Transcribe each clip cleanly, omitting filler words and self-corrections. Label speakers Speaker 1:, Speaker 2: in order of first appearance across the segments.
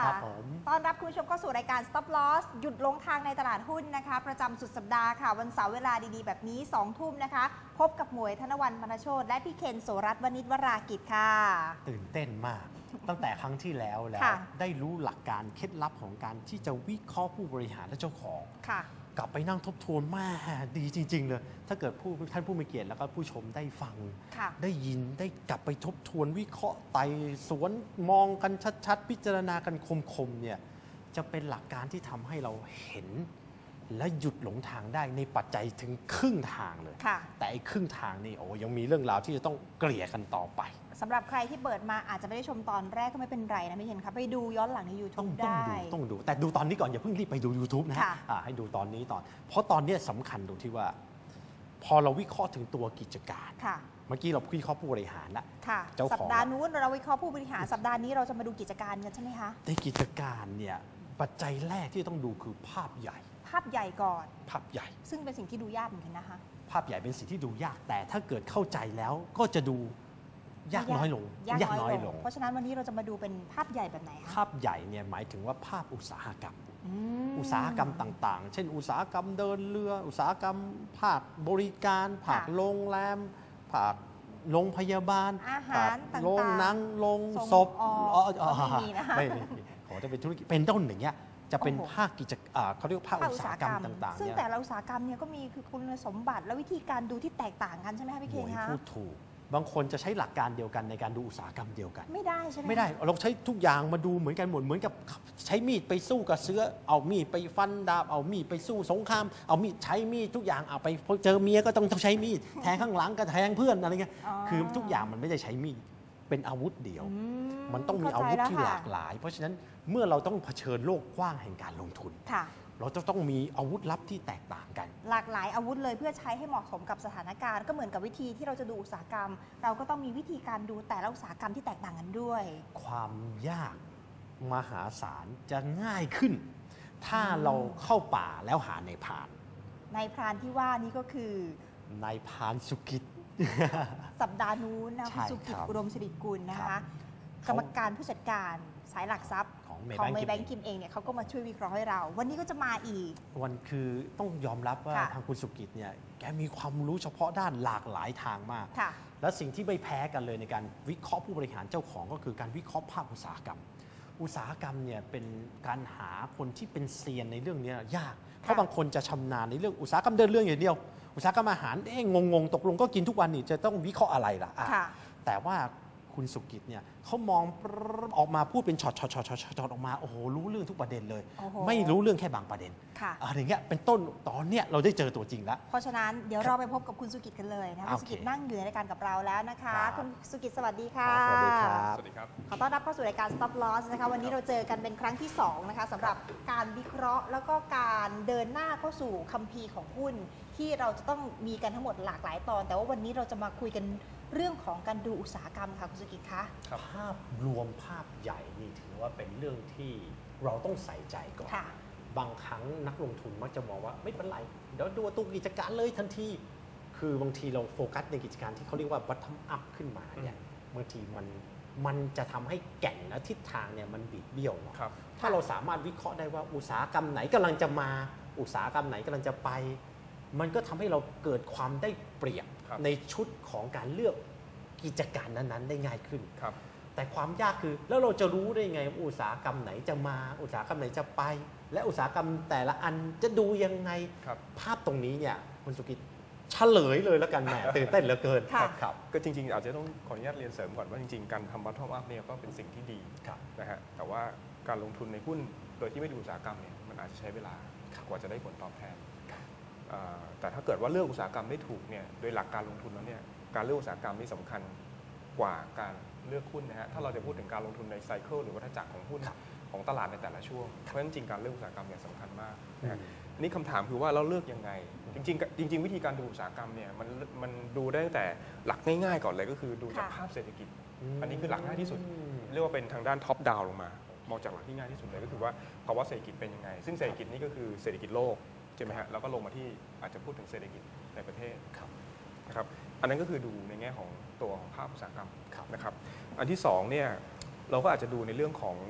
Speaker 1: ครับผมต้อนรับคุณผู้ชมเข้าสู่รายการ Stop Loss หยุดลงทางในตลาดหุ้นนะคะประจำสุดสัปดาห์ค่ะวันเสาร์เวลาดีๆแบบนี้2 ทุ่มนะคะพบกับหมวยธนวรรณ มณโชติและพี่เคนโสรัตน์วณิชวรากิจค่ะ
Speaker 2: ตื่นเต้นมากตั้งแต่ครั้งที่แล้วได้รู้หลักการเคล็ดลับของการที่จะวิเคราะห์ผู้บริหารและเจ้าของกลับไปนั่งทบทวนมาดีจริงๆเลยถ้าเกิดท่านผู้มีเกียรติแล้วก็ผู้ชมได้ฟังได้ยินได้กลับไปทบทวนวิเคราะห์ไต่สวนมองกันชัดๆพิจารณากันคมๆเนี่ยจะเป็นหลักการที่ทำให้เราเห็นและหยุดหลงทางได้ในปัจจัยถึงครึ่งทางเลยแต่ไอ้ครึ่งทางนี่ยังมีเรื่องราวที่จะต้องเกลี่ยกันต่อไป
Speaker 1: สำหรับใครที่เปิดมาอาจจะไม่ได้ชมตอนแรกก็ไม่เป็นไรนะพี่เห็นครับไปดูย้อนหลังใน YouTube ได้
Speaker 2: ต้องดูแต่ดูตอนนี้ก่อนอย่าเพิ่งรีบไปดู YouTube นะให้ดูตอนนี้เพราะตอนนี้สำคัญตรงที่ว่าพอเราวิเคราะห์ถึงตัวกิจการเมื่อกี้เราวิเคราะห์ผู้บริหารแล้ว
Speaker 1: สัปดาห์นู้นเราวิเคราะห์ผู้บริหารสัปดาห์นี้เราจะมาดูกิจการกันใช่ไหมคะ
Speaker 2: ในกิจการเนี่ยปัจจัยแรกที่ต้องดูคือภาพใหญ่
Speaker 1: ก่อน
Speaker 2: ภาพใหญ่
Speaker 1: ซึ่งเป็นสิ่งที่ดูยากเหมือนกันนะคะ
Speaker 2: ภาพใหญ่เป็นสิ่งที่ดูยากแต่ถ้าเกิดเข้าใจแล้วก็จะดูยากน้อยลง
Speaker 1: เพราะฉะนั้นวันนี้เราจะมาดูเป็นภาพใหญ่แบบไหนคะ
Speaker 2: ภาพใหญ่เนี่ยหมายถึงว่าภาพอุตสาหกรรมอุตสาหกรรมต่างๆเช่นอุตสาหกรรมเดินเรืออุตสาหกรรมภาคบริการภาคโรงแรมภาคโรงพยาบาล
Speaker 1: อาหารต่างๆ
Speaker 2: โรงหนังโรงศพไม่ขอจะเป็นธุรกิจเป็นต้นอย่างเงี้ยจะเป็นภาคกิจเขาเรียกภาคอุตสาหกรรมต่างๆ
Speaker 1: ซึ่งแต่ละอุตสาหกรรมเนี่ยก็มีคือคุณสมบัติและวิธีการดูที่แตกต่างกันใช่ไหมคะพี่เคนคะ
Speaker 2: พูดถูกบางคนจะใช้หลักการเดียวกันในการดูอุตสาหกรรมเดียวกัน
Speaker 1: ไม่ได้ใช่ไหม
Speaker 2: ไม่ได้เราใช้ทุกอย่างมาดูเหมือนกันหมดเหมือนกับใช้มีดไปสู้กับเสือเอามีดไปฟันดาบเอามีดไปสู้สงครามเอามีดใช้มีดทุกอย่างเอาไปเจอเมียก็ต้องใช้มีดแทงข้างหลังก็แทงเพื่อนอะไรเงี้ยคือทุกอย่างมันไม่ได้ใช้มีดเป็นอาวุธเดียวมันต้องมีอาวุธที่หลากหลายเพราะฉะนั้นเมื่อเราต้องเผชิญโลกกว้างแห่งการลงทุนเราจะต้องมีอาวุธลับที่แตกต่างกัน
Speaker 1: หลากหลายอาวุธเลยเพื่อใช้ให้เหมาะสมกับสถานการณ์ก็เหมือนกับวิธีที่เราจะดูอุตสาหกรรมเราก็ต้องมีวิธีการดูแต่ละอุตสาหกรรมที่แตกต่างกันด้วย
Speaker 2: ความยากมหาศาลจะง่ายขึ้นถ้าเราเข้าป่าแล้วหานายพราน
Speaker 1: ที่ว่านี้ก็คื
Speaker 2: อนายพรานสุกิจ
Speaker 1: สัปดาห์นู้นนะคุณสุกิจอุดมสิริกุลนะคะกรรมการผู้จัดการสายหลักทรัพย์ของเมย์แบงก์กิมเองเนี่ยเขาก็มาช่วยวิเคราะห์ให้เราวันนี้ก็จะมาอีก
Speaker 2: วันคือต้องยอมรับว่าทางคุณสุกิจเนี่ยแกมีความรู้เฉพาะด้านหลากหลายทางมากและสิ่งที่ไม่แพ้กันเลยในการวิเคราะห์ผู้บริหารเจ้าของก็คือการวิเคราะห์ภาคอุตสาหกรรมเนี่ยเป็นการหาคนที่เป็นเซียนในเรื่องนี้ยากเพราะบางคนจะชำนาญในเรื่องอุตสาหกรรมเดินเรื่องอย่างเดียวอุตสาหกรรมอาหารงงตกลงก็กินทุกวันนี่จะต้องวิเคราะห์อะไรล่ะแต่ว่าคุณสุกิจเนี่ยเขามองออกมาพูดเป็นช็อตออกมาโอ้โหรู้เรื่องทุกประเด็นเลยไม่รู้เรื่องแค่บางประเด็นอะไรเงี้ยเป็นต้นตอนเนี้ยเราได้เจอตัวจริงแล้ว
Speaker 1: เพราะฉะนั้นเดี๋ยวเราไปพบกับคุณสุกิจกันเลยนะคุณสุกิจนั่งอยู่ในรายการกับเราแล้วนะคะคุณสุกิจสวัสดีค่ะ
Speaker 2: สวัสดีครับ
Speaker 1: ขอต้อนรับเข้าสู่รายการ Stop Loss นะคะวันนี้เราเจอกันเป็นครั้งที่2นะคะสำหรับการวิเคราะห์แล้วก็การเดินหน้าเข้าสู่คัมภีร์ของหุ้นที่เราจะต้องมีกันทั้งหมดหลากหลายตอนแต่ว่าวันนี้เราจะมาคุยกันเรื่องของการดูอุตสาหกรรมค่ะคุณสุกิจคะ
Speaker 2: ภาพรวมภาพใหญ่นี่ถือว่าเป็นเรื่องที่เราต้องใส่ใจก่อนบางครั้งนักลงทุนมักจะมองว่าไม่เป็นไรเดี๋ยวดูตัวกิจการเลยทันทีคือบางทีเราโฟกัสในกิจการที่เขาเรียกว่า bottom up ขึ้นมาเนี่ยบางทีมันจะทำให้แก่นและทิศทางเนี่ยมันบิดเบี้ยวถ้าเราสามารถวิเคราะห์ได้ว่าอุตสาหกรรมไหนกำลังจะมาอุตสาหกรรมไหนกำลังจะไปมันก็ทำให้เราเกิดความได้เปรียบในชุดของการเลือกกิจการนั้นๆได้ง่ายขึ้นแต่ความยากคือแล้วเราจะรู้ได้ไงอุตสาหกรรมไหนจะมาอุตสาหกรรมไหนจะไปและอุตสาหกรรมแต่ละอันจะดูยังไงภาพตรงนี้เนี่ยคุณสุกิจเฉลยเลยแล้วกันแหมตื่นเต้นเหลือเกิน
Speaker 3: ครับก็จริงๆอาจจะต้องขออนุญาตเรียนเสริมก่อนว่าจริงๆการทำ bottom up เนี่ยก็เป็นสิ่งที่ดีนะฮะแต่ว่าการลงทุนในหุ้นโดยที่ไม่ดูอุตสาหกรรมเนี่ยมันอาจจะใช้เวลากว่าจะได้ผลตอบแทนแต่ถ้าเกิดว่าเลือกอุตสาหกรรมได้ถูกเนี่ยโดยหลักการลงทุนแล้วเนี่ยการเลือกอุตสาหกรรมนี่สำคัญกว่าการเลือกหุ้นนะฮะถ้าเราจะพูดถึงการลงทุนในไซเคิลหรือวัฏจักรของหุ้นของตลาดในแต่ละช่วงเพราะฉะนั้นจริงการเลือกอุตสาหกรรมเนี่ยสำคัญมากนะอันนี้คำถามคือว่าเราเลือกยังไงจริงวิธีการดูอุตสาหกรรมเนี่ยมันดูได้ตั้งแต่หลักง่ายๆก่อนเลยก็คือดูจากภาพเศรษฐกิจอันนี้คือหลักง่ายที่สุดเรียกว่าเป็นทางด้านท็อปดาวน์ลงมามองจากหลักที่ง่ายที่สุดเลยก็คือว่าภาวะเศรษฐกิจเป็นยังไงซึ่งเศรษฐกิจนี่ก็คือเศรษฐกิจโลกใช่ไหมฮะแล้วก็ลงมาที่อาจจะพูดถึงเศรษฐกิจในประเทศนะครับอันนั้นก็คือดูในแง่ของตัวของภาพอุตสาหกรรมนะครับอันที่2เนี่ยเราก็อาจจะดูในเรื่องของ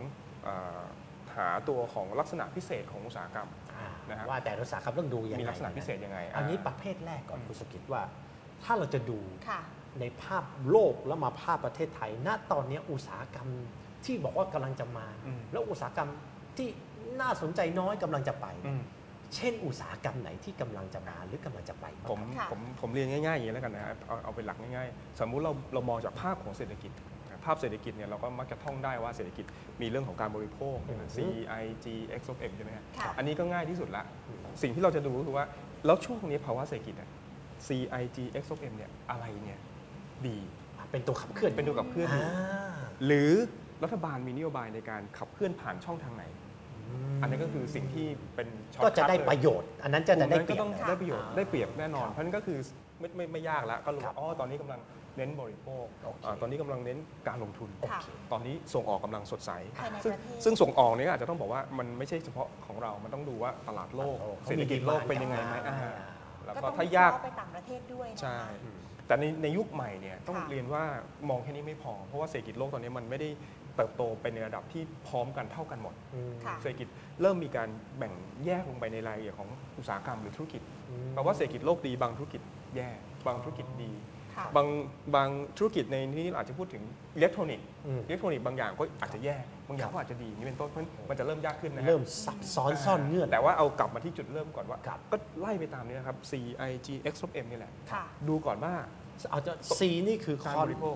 Speaker 3: หาตัวของลักษณะพิเศษของอุตสาหกรรม นะฮะ
Speaker 2: ว่าแต่อุตสาหกรรมต้องดูยังไง
Speaker 3: มีลักษณะพิเศษยังไง
Speaker 2: อันนี้ประเภทแรกก่อนคุณสกิจว่า ถ้าเราจะดู
Speaker 1: ค่ะ
Speaker 2: ในภาพโลกแล้วมาภาพประเทศไทย ณ ตอนนี้อุตสาหกรรมที่บอกว่ากำลังจะมา แล้วอุตสาหกรรมที่น่าสนใจน้อยกำลังจะไป เช่นอุตสาหกรรมไหนที่กำลังจะมาหรือกำลังจะไปบ้าง
Speaker 1: ค่ะ
Speaker 3: ผมเรียนง่ายๆอย่างนี้แล้วกันนะครับเอาเป็นหลักง่ายๆ สมมุติเรามองจากภาพของเศรษฐกิจ ภาพเศรษฐกิจเนี่ยเราก็มักจะท่องได้ว่าเศรษฐกิจมีเรื่องของการบริโภค C I G X of M ใช่ไหมครับ
Speaker 1: ค่ะ
Speaker 3: อันนี้ก็ง่ายที่สุดละสิ่งที่เราจะดูก็คือว่าแล้วช่วงนี้ภาวะเศรษฐกิจ C I G X of M เนี่ยอะไรเนี่ยดี
Speaker 2: เป็นตัวขับเคลื่อน
Speaker 3: เป็นตัวขับเคลื่อนอยู่ หรือรัฐบาลมีนโยบายในการขับเคลื่อนผ่านช่องทางไหน อันนี้ก็คือสิ่งที่เป็นช็อต
Speaker 2: ก็จะได้
Speaker 3: คัทเลย
Speaker 2: ประโยชน์ อันนั้นจะได้
Speaker 3: กลุ่มนั้น
Speaker 2: เปรี
Speaker 3: ก็
Speaker 2: ยบ
Speaker 3: ต้องได้ประโยชน์ได้เปรียบแน่นอน
Speaker 2: ครับ
Speaker 3: เพราะฉะนั้นก็คือไม่ยากแล้วก็รู้
Speaker 2: ครับ
Speaker 3: ว่าอ๋อตอนนี้กำลังเน้นบริโภค
Speaker 2: โอเค
Speaker 3: ตอนนี้กำลังเน้นการลงทุน
Speaker 1: ค่ะ
Speaker 3: ตอนนี้ส่งออกกำลังสดใส
Speaker 1: ภายใน
Speaker 3: ซึ่ง
Speaker 1: ประเทศ
Speaker 3: ซึ่งส่งออกเนี่ยอาจจะต้องบอกว่ามันไม่ใช่เฉพาะของเรา มันต้องดูว่าตลาดโลก เศรษฐกิจโลกเป็นยังไงไหมแล้ว
Speaker 1: ก็
Speaker 3: ก็
Speaker 1: ต้อง
Speaker 3: ถ้ายาก
Speaker 1: วิเคระห์ไปต่างประเทศด้วยนะคะ
Speaker 3: ใช่ แต่ในยุคใหม่เนี่ยต้อง
Speaker 1: ค่ะ
Speaker 3: เรียนว่ามองแค่นี้ไม่พอ เพราะว่าเศรษฐกิจโลกตอนนี้มันไม่ได้เติบโตไปในระดับที่พร้อมกันเท่ากันหมด
Speaker 1: ค่ะ
Speaker 3: เศรษฐกิจเริ่มมีการแบ่งแยกลงไปในรายละเอียดของอุตสาหกรรมหรือธุรกิจแปลว่าเศรษฐกิจโลกดีบางธุรกิจแย่บางธุรกิจดี
Speaker 1: ค่ะ
Speaker 3: บางธุรกิจในนี้อาจจะพูดถึงอิเล็กทรอนิกส์
Speaker 2: อืม
Speaker 3: อิเล็กทรอนิกส์บางอย่างก็อาจจะแย่บางอย่างก็อาจจะดีนี่เป็นต้นเพราะฉะนั้นมันจะเริ่มยากขึ้นนะฮะ
Speaker 2: เริ่มซับซ้อนซ่อนเงื่อน
Speaker 3: แต่ว่าเอากลับมาที่จุดเริ่มก่อนว่า
Speaker 2: ครับ
Speaker 3: ก็ไล่ไปตามนี้นะครับ C I G X of M นี่แหละ
Speaker 1: ค่ะ
Speaker 3: ดูก่อนว่า
Speaker 2: เอาจะ C นี่คือ
Speaker 3: การบริโภค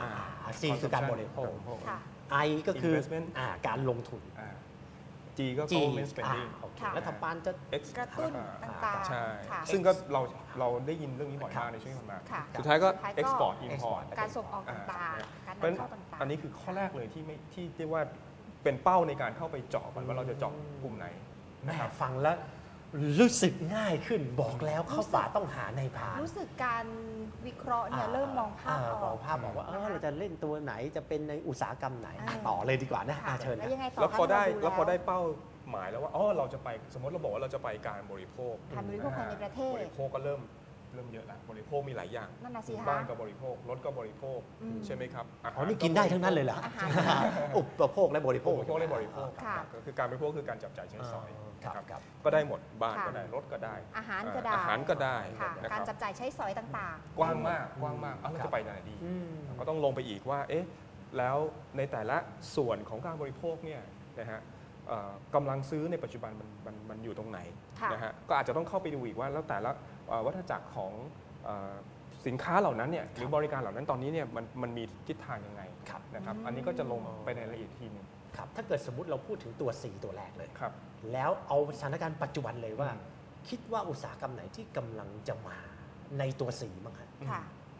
Speaker 2: C คือการบริโภค
Speaker 1: ค่ะ
Speaker 2: I ก็คือ
Speaker 3: Investment
Speaker 2: การลงทุน
Speaker 3: G ก็
Speaker 2: G
Speaker 3: government spending
Speaker 2: โอเค
Speaker 1: ค่ะ
Speaker 2: รัฐบาลจะ
Speaker 3: X
Speaker 1: กระตุ้นต่างๆ
Speaker 3: ใช่
Speaker 1: ค่ะ
Speaker 3: ซึ่งก็เราได้ยินเรื่องนี้บ่อยมากในช่วงที่ผ่านมา
Speaker 1: ค่ะ
Speaker 3: สุดท้ายก็
Speaker 1: สุดท้ายก็
Speaker 3: export import
Speaker 1: การส่งออกต่างๆ การ
Speaker 3: เพราะฉะ
Speaker 1: นำ
Speaker 3: นั้น
Speaker 1: เข้าต่างๆ
Speaker 3: อันนี้คือข้อแรกเลยที่เรียกว่าเป็นเป้าในการเข้าไปเจาะก่อนว่าเราจะเจาะกลุ่มไหน
Speaker 2: แม่
Speaker 3: นะครับ
Speaker 2: ฟังแล้วรู้สึกง่ายขึ้นบอกแล้วเข้าป่าต้องหาในพราน
Speaker 1: รู้สึกการวิเคราะห์เนี่ยเริ่มมองภาพอ
Speaker 2: ม
Speaker 1: อ
Speaker 2: อง
Speaker 1: ก
Speaker 2: ภาพบอกว่าเราจะเล่นตัวไหนจะเป็นในอุตสาหกรรมไหน
Speaker 1: อ่า
Speaker 2: ต่อเลยดีกว่านะ
Speaker 1: ค่ะ
Speaker 2: เชิญ
Speaker 1: แล้ว
Speaker 2: นะ
Speaker 1: ยังไงต่อ
Speaker 3: แล้วพอได้
Speaker 1: คะ
Speaker 3: แล้วพอได้
Speaker 1: ดู
Speaker 3: เป้าหมายแล้วว่าเราจะไปสมมติเราบอกว่าเราจะไปการบริโภค
Speaker 1: การบริโภคภายในประเทศ
Speaker 3: บริโภคก็เริ่มเยอะแล้วบริโภคมีหลายอย่าง
Speaker 1: นั่นน่ะสิคะ
Speaker 3: บ้านก็บริโภครถก็บริโภค
Speaker 1: อืม
Speaker 3: ใช่ไหมครับาหาร
Speaker 2: อ๋อนี่กินได้ทั้งนั้นเลยเหรอ
Speaker 1: อาหาร
Speaker 2: อุปโภคและบริโภค
Speaker 3: บริโภคและบริโภค
Speaker 1: ค่ะ
Speaker 3: ก็คือการบริโภคคือการจับจ่ายใช้สอย
Speaker 2: ครับ
Speaker 3: นะครับ
Speaker 2: ครับ
Speaker 3: ก็ได้หมดบ้าน
Speaker 1: ค่ะ
Speaker 3: ก็ได้รถก็ได้
Speaker 1: อาหารก็ได้
Speaker 3: อาหารก็ได้
Speaker 1: ค่ะ
Speaker 3: นะค
Speaker 1: การ
Speaker 3: รับ
Speaker 1: จับจ่ายใช้สอยต่าง
Speaker 3: กว้างมากเราจะไปไหนดี ก็ต้องลงไปอีกว่าเอ๊ะแล้วในแต่ละส่วนของการบริโภคเนี่ยนะฮะกำลังซื้อในปัจจุบันมันอยู่ตรงไหน
Speaker 1: ค่ะ
Speaker 3: นะฮะก็อาจจะต้องเข้าไปดูอีกว่าแล้วแต่ละวัฏจักรของสินค้าเหล่านั้นเนี่ยหรือบริการเหล่านั้นตอนนี้เนี่ยมันมีทิศทางยังไง
Speaker 2: ครับ
Speaker 3: นะครับอันนี้ก็จะลงไปในรายละเอียดทีหนึง
Speaker 2: ครับถ้าเกิดสมมติเราพูดถึงตัว C ตัวแรกเลย
Speaker 3: ครับ
Speaker 2: แล้วเอาสถานการณ์ปัจจุบันเลยว่า
Speaker 3: อืม
Speaker 2: คิดว่าอุตสาหกรรมไหนที่กำลังจะมาในตัว C บ้างครับ
Speaker 1: ๆ ค่ะ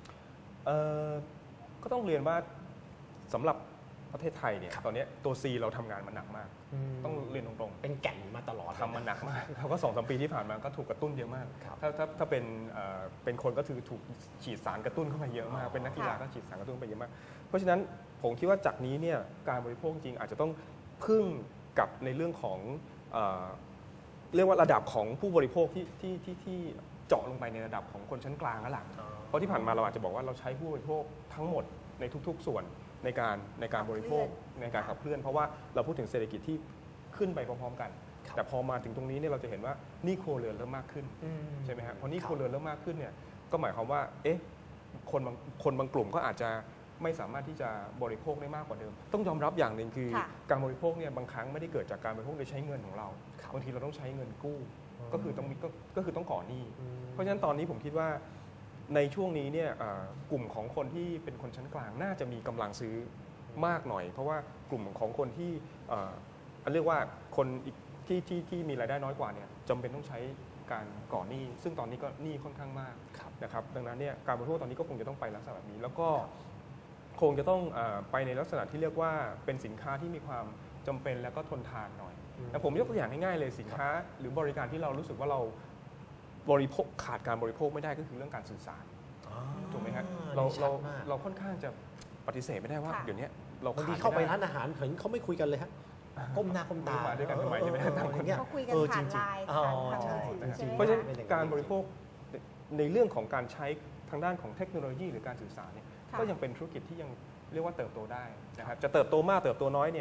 Speaker 3: ก็ต้องเรียนว่าสำหรับประเทศไทยเนี่ยตอนนี้ตัว C เราทำงานมาหนักมาก ต้องเรียนตรงๆ
Speaker 2: เป็นแก่นมาตลอด
Speaker 3: ทำมันหนักมากเขาก็2-3 ปีที่ผ่านมาก็ถูกกระตุ้นเยอะมาก
Speaker 2: ครับ
Speaker 3: ถ้าเป็นคนก็ถูกฉีดสารกระตุ้นเข้ามาเยอะมาก เป็นนักกีฬาก็ฉีดสารกระตุ้นไปเยอะมาก เพราะฉะนั้นผมคิดว่าจากนี้เนี่ยการบริโภคจริงอาจจะต้องพึ่งกับในเรื่องของเรียกว่าระดับของผู้บริโภคที่เจาะลงไปในระดับของคนชั้นกลางแล้วล่ะเพราะที่ผ่านมาเราอาจจะบอกว่าเราใช้ผู้บริโภคทั้งหมดในทุกๆส่วนในการบริโภคในการขับเคลื่อนเพราะว่าเราพูดถึงเศรษฐกิจที่ขึ้นไปพร้อมๆกัน แต่พอมาถึงตรงนี้เนี่ยเราจะเห็นว่าหนี้ครัวเรือนเริ่มมากขึ้นใช่ไหมฮะพอหนี้ครัวเรือนเริ่มมากขึ้นเนี่ยก็หมายความว่าเอ๊ะคนบางกลุ่มก็อาจจะไม่สามารถที่จะบริโภคได้มากกว่าเดิม ต้องยอมรับอย่างหนึ่งคือ
Speaker 1: ค่ะ
Speaker 3: การบริโภคเนี่ยบางครั้งไม่ได้เกิดจากการบริโภคโดยใช้เงินของเราบางทีเราต้องใช้เงินกู้ก็คือต้องก่อหนี้เพราะฉะนั้นตอนนี้ผมคิดว่าในช่วงนี้เนี่ยกลุ่มของคนที่เป็นคนชั้นกลางน่าจะมีกำลังซื้อมากหน่อย เพราะว่ากลุ่มของคนที่เรียกว่าคนอีกที่มีรายได้น้อยกว่าเนี่ยจำเป็นต้องใช้การก่อหนี้ซึ่งตอนนี้ก็หนี้ค่อนข้างมากนะครับดังนั้นเนี่ยการบริโภคตอนนี้ก็คงจะต้องไปลักษณะแบบนี้ แล้วก็คงจะต้องไปในลักษณะที่เรียกว่าเป็นสินค้าที่มีความจำเป็นแล้วก็ทนทานหน่อยแต่ผมยกตัวอย่างง่ายๆเลยสินค้าหรือบริการที่เรารู้สึกว่าเราบริโภคขาดการบริโภคไม่ได้ก็คือเรื่องการสื่อสารถูกไหมครับเราค่อนข้างจะปฏิเสธไม่ได้ว่า
Speaker 1: ค่ะ
Speaker 3: เดี๋ยวนี้เรา
Speaker 2: บางที
Speaker 3: ขดม่ด้
Speaker 2: เข้าไปร้านอาหารเห็นเขาไม่คุยกันเลยฮะก้มหน้าก้มตา
Speaker 3: มาด้วยกันทำไมใช่ไหมต่างคน
Speaker 2: อย่งงี้
Speaker 1: เขาคุยกันผ่านไลน์
Speaker 2: อ๋อ
Speaker 1: ผ่าน
Speaker 2: ใช่
Speaker 1: มือถือ
Speaker 2: จริง
Speaker 1: ใช่ไหม
Speaker 3: เพราะฉะนั้น
Speaker 2: เป็นอย่างนั้น
Speaker 3: การบริโภคในเรื่องของการใช้ทางด้านของเทคโนโลยีหรือการสื่อสารเนี่ย
Speaker 1: ค่ะ
Speaker 3: ก็ยังเป็นธุรกิจที่ยังเรียกว่าเติบโตได้นะครับจะเติบโตมากเติบโตน้อยเนี่ย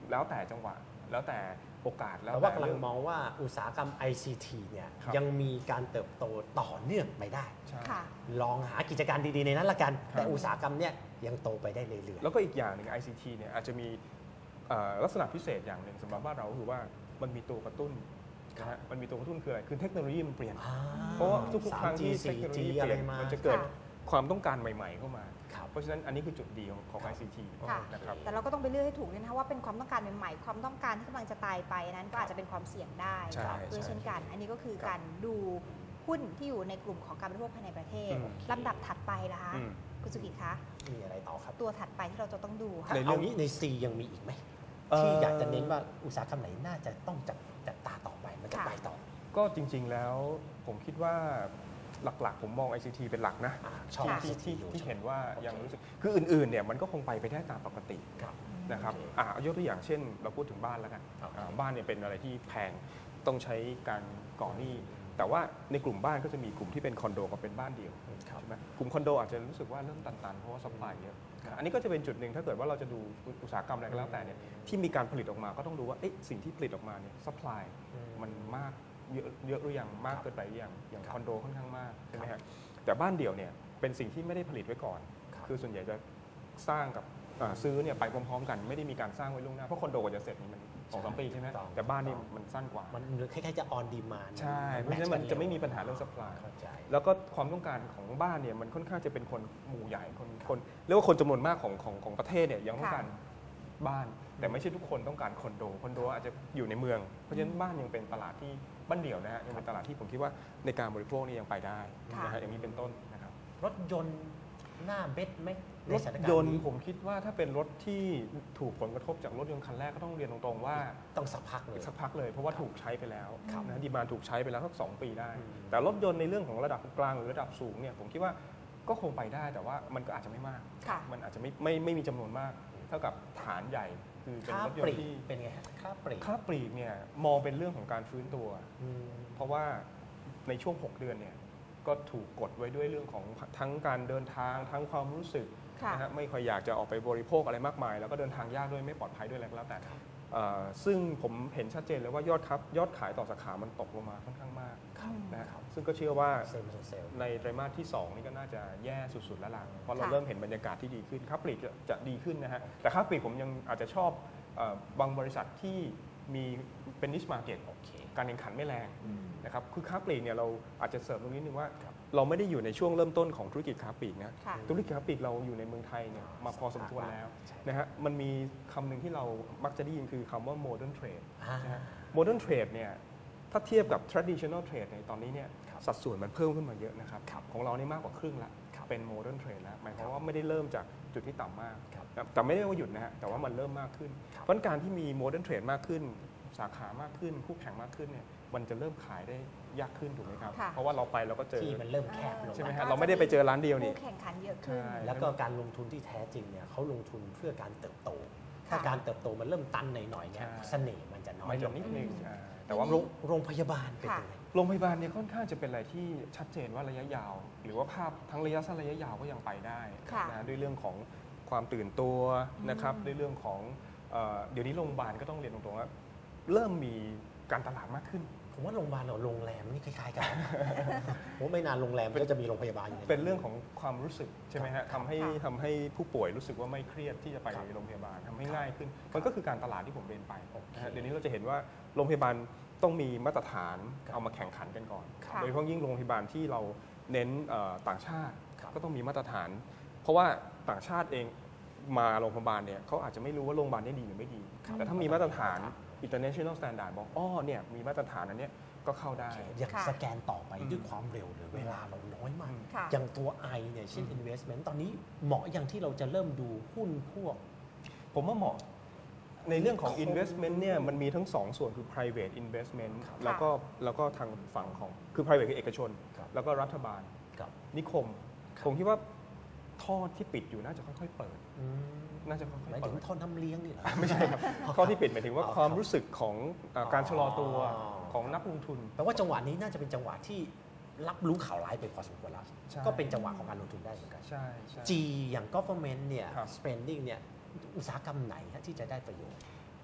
Speaker 3: แล้วแต่จังหวะแล้วแต่โอกาสแล้ว
Speaker 2: แต่ว่ากำลั
Speaker 3: เรื่
Speaker 2: งมองว่าอุตสาหกรรม ICT เนี่ย
Speaker 3: ครับ
Speaker 2: ยังมีการเติบโตต่อเนื่องไปได้
Speaker 3: ใช่
Speaker 1: ค่ะ
Speaker 2: ลองหากิจการดีๆในนั้นละกัน
Speaker 3: ครับ
Speaker 2: แต่อุตสาหกรรมเนี่ยยังโตไปได้เรื่อย
Speaker 3: แล้วก็อีกอย่างหนึ่ง ICT เนี่ยอาจจะมีลักษณะพิเศษอย่างหนึ่งสำหรับบ้านเราก็คือว่ามันมีตัวกระตุ้นนะฮะมันมีตัวกระตุ้นคืออะไรคือเทคโนโลยีมันเปลี่ยน
Speaker 2: ๆ
Speaker 3: เพราะว่าทุกๆครั้งที่
Speaker 2: 3G
Speaker 3: เทคโนโลยี
Speaker 2: 4G
Speaker 3: เปลี่ยน
Speaker 2: อะไรมา
Speaker 3: มันจะเกิด
Speaker 1: ค่ะ
Speaker 3: ความต้องการใหม่ๆเข้ามา
Speaker 2: ครับ
Speaker 3: เพราะฉะนั้นอันนี้คือจุดดีของ ICT
Speaker 1: ค่ะ
Speaker 3: นะครับ
Speaker 1: แต่เราก็ต้องไปเลือกให้ถูกด้วยนะคะว่าเป็นความต้องการใหม่ๆความต้องการที่กำลังจะตายไปนั้นก็อาจจะเป็นความเสี่ยงได้
Speaker 3: ใช่
Speaker 1: ด้วย
Speaker 3: ใช่
Speaker 1: เช่นกัน อันนี้ก็คือ
Speaker 3: ครับ
Speaker 1: การดูหุ้นที่อยู่ในกลุ่มของการบริโภคภายในประเทศ
Speaker 3: อืม
Speaker 1: ลำดับถัดไปนะคะ
Speaker 3: อืม
Speaker 1: คุณสุกิจคะ
Speaker 2: มีอะไรต่อครับ
Speaker 1: ตัวถัดไปที่เราจะต้องดูค่ะ
Speaker 3: ในเรื่
Speaker 2: เอา
Speaker 3: อง
Speaker 2: งี้ใน C ยังมีอีกไหม
Speaker 3: เอ่อ
Speaker 2: ที่อยากจะเน้นว่าอุตสาหกรรมไหนน่าจะต้องจับตาต่อไปมันจะ
Speaker 1: ค่ะ
Speaker 2: ไปต่อ
Speaker 3: ก็จริงๆแล้วผมคิดว่าหลักๆ ผมมอง ICT เป็นหลักนะ
Speaker 2: ชอบ
Speaker 1: ค่ะ
Speaker 3: ที่
Speaker 2: ICT อยู่
Speaker 3: ที่เห็นว่า
Speaker 2: โอเค
Speaker 3: ยังรู้สึกคืออื่นๆเนี่ยมันก็คงไปได้ตามปกติ
Speaker 2: ครับ
Speaker 3: นะครับ
Speaker 2: โอเค
Speaker 3: ยกตัวอย่างเช่น เราพูดถึงบ้านแล้วกัน
Speaker 2: โอเค
Speaker 3: บ้านเนี่ยเป็นอะไรที่แพงต้องใช้การก่อหนี้แต่ว่าในกลุ่มบ้านก็จะมีกลุ่มที่เป็นคอนโดกับเป็นบ้านเดี่ยว
Speaker 2: ครับ
Speaker 3: ใช่ไหมกลุ่มคอนโดอาจจะรู้สึกว่าเริ่มตันๆเพราะว่าซัพพลายเยอะอันนี้ก็จะเป็นจุดหนึ่งถ้าเกิดว่าเราจะดูอุตสาหกรรมอะไรก็แล้วแต่เนี่ยที่มีการผลิตออกมาก็ต้องดูว่าเอ๊ะสิ่งที่ผลิตออกมาเนี่ยซัพพลายมันมากเยอะหรือยังมากเกินไปหรือยังอย่างคอนโดค่อนข้างมากใช่ไหมฮะแต่บ้านเดี่ยวเนี่ยเป็นสิ่งที่ไม่ได้ผลิตไว้ก่อน
Speaker 2: ครับ
Speaker 3: คือส่วนใหญ่จะสร้างกับซื้อเนี่ยไปพร้อมๆกันไม่ได้มีการสร้างไว้ล่วงหน้าเพราะคอนโดกว่าจะเสร็จนี่มัน2-3 ปีใช่ไหม
Speaker 2: ต้อง
Speaker 3: แต่บ้านนี่มันสั้นกว่า
Speaker 2: มันคล้ายๆจะ on demand
Speaker 3: ใช่เพราะฉะนั้นมันจะไม่มีปัญหาเรื่อง supply
Speaker 2: เข้าใจ
Speaker 3: แล้วก็ความต้องการของบ้านเนี่ยมันค่อนข้างจะเป็นคนหมู่ใหญ่คนเรียกว่าคนจำนวนมากของประเทศเนี่ยยังต้องการบ้าน แต่ไม่ใช่ทุกคนต้องการคอนโดอาจจะอยู่ในเมืองเพราะฉะนั้นบ้านยังเป็นตลาดที่บ้านเดี่ยวนะฮะยังเป็นตลาดที่ผมคิดว่าในการบริโภคนี่ยังไปได้นะฮะอย่างนี้เป็นต้นนะครับ
Speaker 2: รถยนต์หน้าเบ็ดไหมใน
Speaker 3: รถ
Speaker 2: สถานการ
Speaker 3: ย
Speaker 2: ณ์
Speaker 3: นต์
Speaker 2: นี้
Speaker 3: ผมคิดว่าถ้าเป็นรถที่ถูกผลกระทบจากรถยนต์คันแรกก็ต้องเรียนตรงๆว่า
Speaker 2: ต้องสักพักเลย
Speaker 3: สักพักเลยเพราะว่าถูกใช้ไปแล้ว
Speaker 2: ครับ
Speaker 3: นะดีมานถูกใช้ไปแล้วสัก2 ปีได้
Speaker 2: อืม
Speaker 3: แต่รถยนต์ในเรื่องของระดับกลางหรือระดับสูงเนี่ยผมคิดว่าก็คงไปได้แต่ว่ามันก็อาจจะไม่มาก
Speaker 1: ค่ะ
Speaker 3: มันอาจจะไม่มีจำนวนมาก เท่ากับฐานใหญ่คือเป็น
Speaker 2: ค่าร
Speaker 3: ถย
Speaker 2: ป
Speaker 3: น
Speaker 2: ลี
Speaker 3: ต์
Speaker 2: ก
Speaker 3: ที่
Speaker 2: เป็นไงฮะค่าปลีก
Speaker 3: ค่าปลีกเนี่ยมองเป็นเรื่องของการฟื้นตัว
Speaker 2: อืม
Speaker 3: เพราะว่าในช่วง 6 เดือนเนี่ยก็ถูกกดไว้ด้วยเรื่องของทั้งการเดินทางทั้งความรู้สึก
Speaker 1: ค่ะ
Speaker 3: นะฮะไม่ค่อยอยากจะออกไปบริโภคอะไรมากมาย แล้วก็เดินทางยากด้วยไม่ปลอดภัยด้วยอะไรก็แล้วแต่ซึ่งผมเห็นชัดเจนเลยว่ายอดขายต่อสาขามันตกลงมาค่อนข้างมาก
Speaker 1: ครับ
Speaker 3: นะครับซึ่งก็เชื่อว่า
Speaker 2: เซลล์มันเซลล์
Speaker 3: ในไตรมาสที่ 2 นี่ก็น่าจะแย่สุดๆแล้วล่ะเพราะเรา
Speaker 1: ค่ะ
Speaker 3: เริ่มเห็นบรรยากาศที่ดีขึ้นค้าปลีกจะดีขึ้นนะฮะแต่ค้าปลีกผมยังอาจจะชอบบางบริษัทที่มีเป็น niche market
Speaker 2: โอเค
Speaker 3: การแข่งขันไม่แรง
Speaker 2: อืม
Speaker 3: นะครับคือค้าปลีกเนี่ยเราอาจจะเสริมตรงนี้นึงว่า เราไม่ได้อยู่ในช่วงเริ่มต้นของธุรกิจค้าปลีกนะ
Speaker 1: ค่ะ
Speaker 3: ธุรกิจค้าปลีกเราอยู่ในเมืองไทยเนี่ยมาพอสมควรแล้ว
Speaker 2: ใช่
Speaker 3: นะฮะมันมีคำหนึ่งที่เรามักจะได้ยินคือคำว่า modern trade
Speaker 2: อ่า
Speaker 3: นะฮะ modern trade เนี่ยถ้าเทียบกับ traditional trade ในตอนนี้เนี่ย
Speaker 2: ครับ
Speaker 3: สัดส่วนมันเพิ่มขึ้นมาเยอะนะครับ
Speaker 2: ครับ
Speaker 3: ของเรานี่มากกว่าครึ่งละ
Speaker 2: ครับ
Speaker 3: เป็น modern trade แล้วหมายความว่าไม่ได้เริ่มจากจุดที่ต่ำมาก
Speaker 2: ครับ
Speaker 3: แต่ไม่ได้ว่าหยุดนะฮะแต่ว่ามันเริ่มมากขึ้น
Speaker 2: ครับ
Speaker 3: เพราะการที่มี modern trade มากขึ้น สาขามากขึ้นคู่แข่งมากขึ้นเนี่ยมันจะเริ่มขายได้ยากขึ้นถูกไหมครับ
Speaker 1: ค่ะ
Speaker 3: เพราะว่าเราไปเราก็เจอ
Speaker 2: ที่มันเริ่มแคบลง
Speaker 3: ใช่ไหม
Speaker 1: น
Speaker 3: ฮะ
Speaker 1: ก็
Speaker 3: เราไม่ได้ไปเจอร้านเดียวนี่
Speaker 1: คู่แข่งขันเยอะขึ้น
Speaker 3: ใช่
Speaker 2: แล้วก็การลงทุนที่แท้จริงเนี่ยเขาลงทุนเพื่อการเติบโต ถ้า
Speaker 1: ค่ะ
Speaker 2: การเติบโตมันเริ่มตันหน่อยๆเนี่ย
Speaker 3: ใช่
Speaker 2: เสน่ห์มันจะน้อย
Speaker 3: มัน
Speaker 2: ล
Speaker 3: จะ
Speaker 2: ง
Speaker 3: นิดนึง
Speaker 1: อืม
Speaker 3: แต่ว่า
Speaker 2: โรงพยาบาลเป็น
Speaker 1: ค่ะ
Speaker 2: ยังไง
Speaker 3: โรงพยาบาลเนี่ยค่อนข้างจะเป็นอะไรที่ชัดเจนว่าระยะยาว หรือว่าภาพทั้งระยะสั้นระยะยาวก็ยังไปได้
Speaker 1: ค่ะ
Speaker 3: นะด้วยเรื่องของความตื่นตัวนะครับ
Speaker 1: อืม
Speaker 3: ด้วยเรื่องของเดี๋ยวนี้โรงพยาบาลก็ต้องเรียนตรงๆว่าเริ่มมีการตลาดมากขึ้น
Speaker 2: ผมว่าโรงพยาบาลกับโรงแรมนี่คล้ายๆกันนะ ผมว่าไม่นานโรงแรมก็จะมีโรงพยาบาลอยู่ใน
Speaker 3: เป็นเรื่องของความรู้สึกใช่ไหมฮะ
Speaker 2: ครับ
Speaker 3: ทำให้ผู้ป่วยรู้สึกว่าไม่เครียดที่จะไป
Speaker 2: ครับ
Speaker 3: โรงพยาบาลทำให้
Speaker 2: ครับ
Speaker 3: ง่ายขึ้น มันก็คือการตลาดที่ผมเรียนไป
Speaker 2: โอเค
Speaker 3: นะฮะเดี๋ยวนี้เราจะเห็นว่าโรงพยาบาลต้องมีมาตรฐาน
Speaker 2: ครับ
Speaker 3: เอามาแข่งขันกันก่อน
Speaker 1: ค่ะ
Speaker 3: โดยเฉพาะยิ่งโรงพยาบาลที่เราเน้นต่างชาติ
Speaker 2: ครับ
Speaker 3: ก็ต้องมีมาตรฐาน เพราะว่าต่างชาติเองมาโรงพยาบาลเนี่ยเขาอาจจะไม่รู้ว่าโรงพยาบาลนี้ดีหรือไม่ดี
Speaker 2: ครับ
Speaker 3: แต่ถ้ามีมาตรฐาน international standard บอกอ้อเนี่ยมีมาตรฐานอันเนี้ยก็เข้าได้
Speaker 2: อย่าง
Speaker 1: ค่ะ
Speaker 2: สแกนต่อไป
Speaker 3: อืม
Speaker 2: ด้วยความเร็วเลยเวลาเราน้อยมาก
Speaker 1: ค่ะ
Speaker 2: อย่างตัว I เนี่ยเช่น investment ตอนนี้เหมาะอย่างที่เราจะเริ่มดูหุ้นพวก
Speaker 3: ผมว่าเหมาะในเรื่องของ
Speaker 2: คง
Speaker 3: investment เนี่ยมันมีทั้ง 2 ส่วนคือ private investment
Speaker 2: ครับ
Speaker 3: แล้วก็ทางฝั่งของคือ private คือเอกชน
Speaker 2: ครับ
Speaker 3: แล้วก็รัฐบาล
Speaker 2: กับ
Speaker 3: นิคม ผมคิดว่าท่อที่ปิดอยู่น่าจะค่อยๆเปิด น่าจะค่อย
Speaker 2: หมาย
Speaker 3: ๆเปิ
Speaker 2: ถึ
Speaker 3: ด
Speaker 2: งท่อนน้ำเลี้ยงนี่เหรอ
Speaker 3: ไม่ใช่ครับท่อที่ปิดหมายถึงว่า
Speaker 2: อ๋อ
Speaker 3: ความรู้สึกของการชะลอตัว
Speaker 2: อ๋อ
Speaker 3: ของนักลงทุน
Speaker 2: แปลว่าจังหวะนี้น่าจะเป็นจังหวะที่รับรู้ข่าวร้ายไปพอสมควรแล้ว
Speaker 3: ใช่
Speaker 2: ก็เป็นจังหวะของการลงทุนได้เหมือนกัน
Speaker 3: ใช่ใช่
Speaker 2: G อย่าง government เนี่ย
Speaker 3: ครับ
Speaker 2: spending เนี่ยอุตสาหกรรมไหนฮะที่จะได้ประโยชน์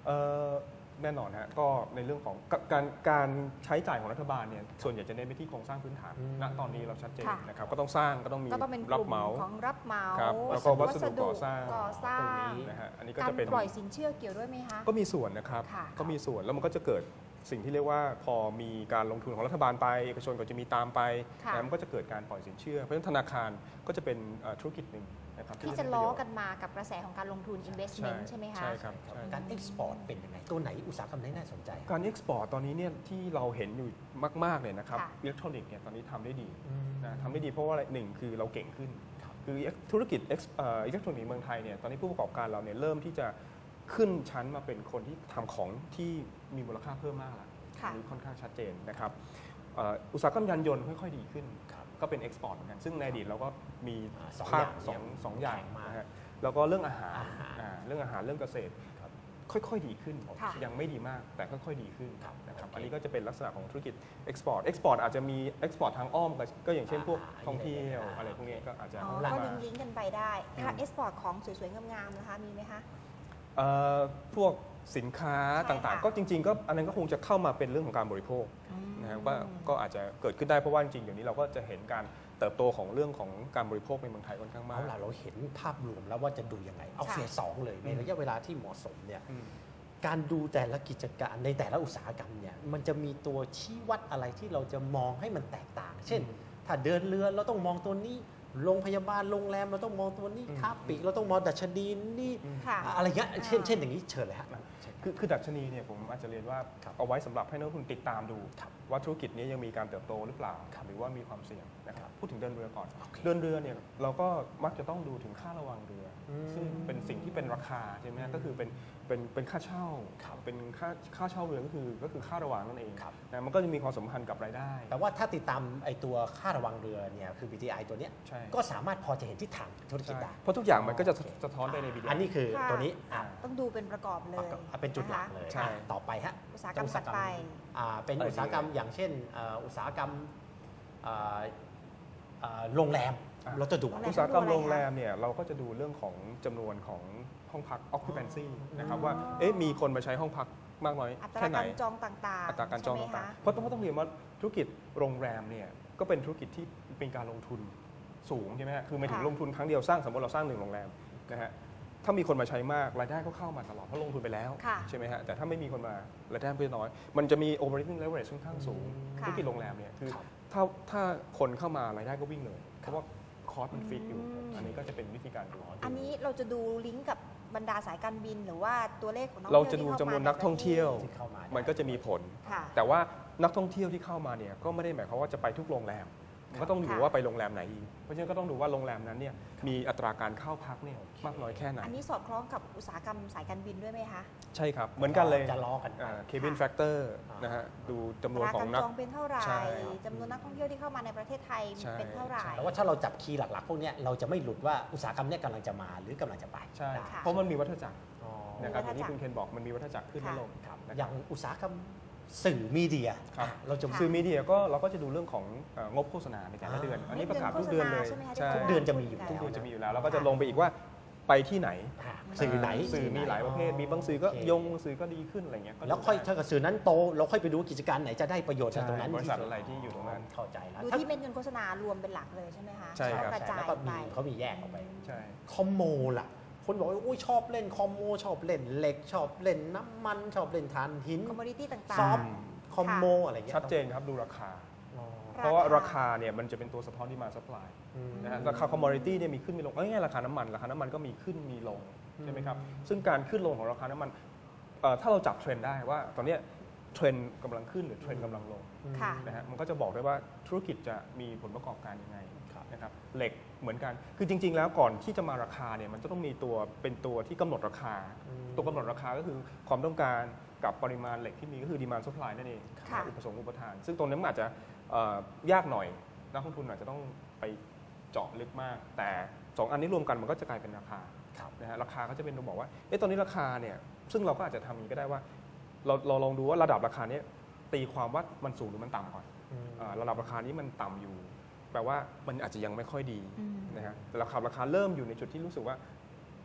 Speaker 3: แน่นอนฮะก็ในเรื่องของการใช้จ่ายของรัฐบาลเนี่ยส่วนใหญ่จะเน้นไปที่โครงสร้างพื้นฐานณตอนนี้เราชัดเจนนะครับก็ต้องสร้างก็ต้องมี
Speaker 1: ก็ต้องเป็นก
Speaker 3: รับ
Speaker 1: ลุ่ม
Speaker 3: เหมา
Speaker 1: ของรับเหมา
Speaker 3: ครับแล้วก็วัสดุก่อสร้าง
Speaker 1: ก่อสร้า
Speaker 3: พวก
Speaker 1: ง
Speaker 3: นี้นะฮะอันนี้ก็
Speaker 1: การ
Speaker 3: จะเป็น
Speaker 1: ปล่อยสินเชื่อเกี่ยวด้วยไหมคะ
Speaker 3: ก็มีส่วนนะครับ
Speaker 1: ค่ะ
Speaker 3: ก็มีส่วนแล้วมันก็จะเกิดสิ่งที่เรียกว่าพอมีการลงทุนของรัฐบาลไปเอกชนก็จะมีตามไป
Speaker 1: ค่ะ
Speaker 3: แล้วมันก็จะเกิดการปล่อยสินเชื่อเพราะฉะนั้นธนาคารก็จะเป็นธุรกิจหนึ่งนะครับ
Speaker 1: ที่จะล้อกันมากับกระแสของการลงทุน investment ใช่ไหมคะ
Speaker 3: ใช่ครับใช่
Speaker 2: การเอ็กซ์พอร์ตเป็นยังไงตัวไหนอุตสาหกรรมไหนน่าสนใจ
Speaker 3: การเอ็กซ์พอร์ตตอนนี้เนี่ยที่เราเห็นอยู่มากๆเลยนะครับ
Speaker 1: ค่ะ
Speaker 3: อิเล็กทรอนิกส์เนี่ยตอนนี้ทำได้ดีนะทำได้ดีเพราะว่าอะไรหนึ่งคือเราเก่งขึ้น คือธุรกิจอิเล็กทรอนิกส์เมืองไทยเนี่ยตอนนี้ผู้ประกอบการเราเนี่ยเริ่มที่จะขึ้นชั้นมาเป็นคนที่ทำของที่มีมูลค่าเพิ่มมากแล้ว
Speaker 1: ค่ะ
Speaker 3: อันนี้ค่อนข้างชัดเจนนะครับอุตสาหกรรมยานยนต์ค่อยๆดีขึ้น ก็เป็นเอ็กซ์พอร์ตเหมือนกันซึ่งในอดีตเราก็มี
Speaker 2: สอง
Speaker 3: ภา
Speaker 2: อ
Speaker 3: ค
Speaker 2: ย่าง
Speaker 3: สองอย่าง
Speaker 2: แข็งมาก
Speaker 3: นะฮะแล้วก็เรื่องอาหาร
Speaker 2: อาหาร
Speaker 3: เรื่องอาหารเรื่องเกษตร
Speaker 2: ครับ
Speaker 3: ค่อยๆดีขึ้น
Speaker 1: ค่ะ
Speaker 3: ยังไม่ดีมากแต่ค่อยๆดีขึ้น
Speaker 2: ครับ
Speaker 3: นะครับ
Speaker 2: โอเค
Speaker 3: อันนี้ก็จะเป็นลักษณะของธุรกิจเอ็กซ์พอร์ตอาจจะมีเอ็กซ์พอร์ตทางอ้อมก็อย่างเช่นพวกท่องเที่ยวอะไรพวกนี้ก็อาจจะ
Speaker 1: อ๋อ
Speaker 3: เข้า
Speaker 1: ก็
Speaker 3: มา
Speaker 1: ลิงก์กันไปได้ค่ะ export ของสวยๆงามๆนะคะมีไหมคะ
Speaker 3: พวกสินค้า
Speaker 1: ใช่
Speaker 3: ต่าง
Speaker 1: ค่ะ
Speaker 3: ๆ ก็จริง ๆ ก็อันนั้นก็คงจะเข้ามาเป็นเรื่องของการบริโภคนะครับก็อาจจะเกิดขึ้นได้เพราะว่าจริงๆเดี๋ยวนี้เราก็จะเห็นการเติบโตของเรื่องของการบริโภคในเมืองไทยค่อนข้างมา
Speaker 2: เอา
Speaker 3: ก
Speaker 2: ล่ะเราเห็นภาพรวมแล้วว่าจะดูยังไง เอา
Speaker 1: ค่ะ
Speaker 2: เฟสสองเลยในระยะเวลาที่เหมาะสมเนี่ย
Speaker 3: อืม
Speaker 2: การดูแต่ละกิจการในแต่ละอุตสาหกรรมเนี่ยมันจะมีตัวชี้วัดอะไรที่เราจะมองให้มันแตกต่าง เช่น ถ้าเดินเรือเราต้องมองตัวนี้โรงพยาบาลโรงแรมเราต้องมองตัวนี้ค้าปลีกเราต้องมองดัชนีนี่
Speaker 1: ค่ะ
Speaker 2: อะไรเงี้ยเช่นอย่างนี้เชิญเลยฮะ
Speaker 3: คือดัชนีเนี่ยผมอาจจะเรียนว่า
Speaker 2: ครับ
Speaker 3: เอาไว้สำหรับให้นักลงทุนติดตามดู
Speaker 2: ครับ
Speaker 3: ว่าธุรกิจนี้ยังมีการเติบโตหรือเปล่า
Speaker 2: ครับ
Speaker 3: หรือว่ามีความเสี่ยงนะครับ
Speaker 2: ครับ
Speaker 3: พูดถึงเดินเรือก่อน
Speaker 2: โอเค
Speaker 3: เดินเรือเนี่ยเราก็มักจะต้องดูถึงค่าระวังเรืออ
Speaker 2: ม
Speaker 3: ซึ่งเป็นสิ่งที่เป็นราคาใช่ไหมฮะก็คือเป็นค่าเช่า
Speaker 2: ครับ
Speaker 3: เป็นค่าเช่าเรือก็คือค่าระวังนั่นเอง
Speaker 2: ครับ
Speaker 3: นะมันก็จะมีความสัมพันธ์กับรายได้
Speaker 2: แต่ว่าถ้าติดตามไอตัวค่าระวังเรือเนี่ยคือ BTI ตัวเนี้ย
Speaker 3: ใช่
Speaker 2: ก็สามารถพอจะเห็นทิศทางธุรกิจ
Speaker 3: ใช่
Speaker 2: ได้
Speaker 3: เพราะทุกอย่างมันก็จะ
Speaker 2: โอเค
Speaker 3: สะท้อนไปในวิดีโอ
Speaker 2: อั
Speaker 3: อั
Speaker 2: นนี้คือ
Speaker 1: ค่ะ
Speaker 2: ตัวนี้อ่ะ
Speaker 1: ต้องดูเป็นประกอบเลย
Speaker 2: เป็นจุดหลักเลย
Speaker 1: นะคะ
Speaker 3: ใช่
Speaker 2: ต่อไปฮะ
Speaker 1: อุตสาหกรรมถัดไป
Speaker 2: เป็นอุตสาหกรรมอย่างเช่นอุตสาหกรรมอ่าโรงแรม
Speaker 3: อ่ะ
Speaker 2: เราจะดู
Speaker 1: โรงแร
Speaker 3: อุตสาหกรรมโรงแรมเนี่ยเราก็จะดูเรื่องของจำนวนของห้องพัก occupancy นะครับว่ามีคนมาใช้ห้องพักมากน้อย
Speaker 1: อัตรา
Speaker 3: แค่ไหน
Speaker 1: การจองต่างๆ
Speaker 3: อัตราการจอง
Speaker 1: ใช่ไหม
Speaker 3: ต่าง
Speaker 1: คะ
Speaker 3: ๆเพราะต้องเรียนว่าธุรกิจโรงแรมเนี่ยก็เป็นธุรกิจที่เป็นการลงทุนสูงใช่ไหมฮะคือหมายถึง
Speaker 1: ค่ะ
Speaker 3: ลงทุนครั้งเดียวสร้างสมมติเราสร้าง1โรงแรมนะฮะถ้ามีคนมาใช้มากรายได้ก็เข้ามาตลอดเพราะลงทุนไปแล้ว
Speaker 1: ค่ะ
Speaker 3: ใช่ไหมฮะแต่ถ้าไม่มีคนมารายได้เพิ่มน้อย มันจะมี operating leverage ค่อนข้างสูง
Speaker 1: ค่ะ
Speaker 3: ธุรกิจโรงแรมเนี่ยคือ
Speaker 2: ครับ
Speaker 3: ถ้าคนเข้ามารายได้ก็วิ่งเลยเพราะว่าคอสมันฟิกอยู่ อันนี้ก็จะเป็นวิธีการดู
Speaker 1: อันนี้เราจะดูลิงก์กับบรรดาสายการบินหรือว่าตัวเลขของนัก
Speaker 3: เรา
Speaker 1: ท่อง
Speaker 3: จะ
Speaker 1: เที่ยว
Speaker 3: ดู
Speaker 1: ที่
Speaker 3: จำนวน
Speaker 1: ข้ามา
Speaker 3: นักท่องเที่ยว
Speaker 2: ที่เข้ามา
Speaker 3: มันก็จะมีผล
Speaker 1: ค่ะ
Speaker 3: แต่ว่านักท่องเที่ยวที่เข้ามาเนี่ยก็ไม่ได้หมายความว่าจะไปทุกโรงแรมมันก็ต้องดู
Speaker 1: ค่ะ
Speaker 3: ว่าไปโรงแรมไหนอีกเพราะฉะนั้นก็ต้องดูว่าโรงแรมนั้นเนี่ยมีอัตราการเข้าพักเนี่ยมากน้อยแค่ไหน
Speaker 1: อันนี้สอดคล้องกับอุตสาหกรรมสายการบินด้วยไหมคะ
Speaker 3: ใช่ครับเหมือนกันเลย
Speaker 2: จะล้อกันไป
Speaker 3: เคบินแฟกเตอร์นะฮะดูจำนวน
Speaker 1: รา
Speaker 3: ขอ
Speaker 1: กาง ร
Speaker 3: นัก
Speaker 1: จองเป็นเท่าไหร่
Speaker 3: ใช่
Speaker 1: จำนวนนักท่องเที่ยวที่เข้ามาในประเทศไทย
Speaker 3: ใช่
Speaker 1: เป็นเท่าไหร่
Speaker 2: แต่ว่าถ้าเราจับคีย์หลักๆ พวกเนี้ยเราจะไม่หลุดว่าอุตสาหกรรมเนี้ยกำลังจะมาหรือกำลังจะไป
Speaker 3: ใช่
Speaker 2: ได้
Speaker 1: ค่ะ
Speaker 3: เพราะมันมีวัฏจักร
Speaker 2: อ๋อ
Speaker 3: นะครับอ
Speaker 1: มีวัฏจักร
Speaker 3: ย่างที่คุณเคนบอกมันมีวัฏจักรขึ้นและลง
Speaker 2: ครับ
Speaker 3: นะ
Speaker 2: อ
Speaker 3: ค
Speaker 2: ย่า
Speaker 3: รับ
Speaker 2: งอุตสาหกรรมสื่อมีเดีย
Speaker 3: ครับ
Speaker 2: เราจะ
Speaker 1: ค่ะ
Speaker 3: สื่อมีเดียก็เราก็จะดูเรื่องของงบโฆษณาในแต่ละเดือน อันนี้ประกาศทุกเดือนเลย
Speaker 1: ใช่ไหมคะ
Speaker 3: ใช่
Speaker 1: ที่
Speaker 2: ทุกเดือนจะมีอยู่
Speaker 3: ทุกเดือน
Speaker 2: แล้ว
Speaker 3: จะมีอยู่แล้วเราก็จะลงไปอีกว่าไปที่ไหน
Speaker 2: สื่อไหน
Speaker 3: สื่อมีหลายประเภท มีบางสื่อก็
Speaker 2: โอเค
Speaker 3: ยงบางสื่อก็ดีขึ้นอะไรเงี้ยก็
Speaker 2: แล้วค่อย
Speaker 3: ดูได้
Speaker 2: ถ้าเกิดสื่อนั้นโตเราค่อยไปดูว่ากิจการไหนจะได้ประโยชน์จาก
Speaker 3: ใช่
Speaker 2: ตรงนั้น
Speaker 3: บริษัทอะไรที่อยู่ตรงนั้น
Speaker 2: เข้าใจแล้ว
Speaker 1: ดู
Speaker 2: ถ้า
Speaker 1: ที่เม็ดเงินโฆษณารวมเป็นหลักเลยใช่ไหมคะ
Speaker 3: ใช่ครับ
Speaker 1: กระจา
Speaker 2: แล้
Speaker 1: ยว
Speaker 2: ก็
Speaker 1: ไป
Speaker 2: มีเขามีแยกออกไป
Speaker 3: ใช่
Speaker 2: คอมโมล่ะ คนบอกว่าอุ้ยชอบเล่นคอมโมชอบเล่นเหล็กชอบเล่นน้ำมันชอบเล่นถ่านหิน
Speaker 1: คอมมูนิตี้ต่าง
Speaker 2: ซอฟ
Speaker 1: ๆ
Speaker 2: คอมโมอะไรเงี้ย
Speaker 3: ชัดเจนครับดูราคา
Speaker 2: อ๋อ
Speaker 3: เพราะว่าราคาเนี่ยมันจะเป็นตัวสะท้อนที่มาซัพพลาย
Speaker 2: อืม
Speaker 3: นะฮะราคาคอมมอดิตี้เนี่ยมีขึ้นมีลงง่ายๆราคาน้ำมันก็มีขึ้นมีลงใช่ไหมครับซึ่งการขึ้นลงของราคาน้ำมันถ้าเราจับเทรนด์ได้ว่าตอนเนี้ยเทรนด์กำลังขึ้นหรือเทรนด์กำลังลง
Speaker 1: ค่ะ
Speaker 3: นะฮะมันก็จะบอกได้ว่าธุรกิจจะมีผลประกอบการยังไง
Speaker 2: ครับ
Speaker 3: นะครับเหล็กเหมือนกันคือจริง ๆ แล้วก่อนที่จะมาราคาเนี่ยมันจะต้องมีตัวเป็นตัวที่กำหนดราคา ตัวกำหนดราคาก็คือความต้องการกับปริมาณเหล็กที่มีก็คือ demand supply นั่นเอง
Speaker 1: ค่ะ
Speaker 3: อุปสงค์อุปทาน ซึ่งตรงนี้มันอาจจะยากหน่อยนักลงทุนอาจจะต้องไปเจาะลึกมาก แต่ 2 อันนี้รวมกันมันก็จะกลายเป็นราคา
Speaker 2: ครับ
Speaker 3: นะฮะราคาก็จะเป็นตัวบอกว่าตอนนี้ราคาเนี่ยซึ่งเราก็อาจจะทำอย่างนี้ก็ได้ว่าเราลองดูว่าระดับราคาเนี้ยตีความว่ามันสูงหรือมันต่ำก่อนระดับราคานี้มันต่ำอยู่ แปลว่ามันอาจจะยังไม่ค่อยดี
Speaker 1: อืม
Speaker 3: นะฮะแต่ราคาเริ่มอยู่ในจุดที่รู้สึกว่า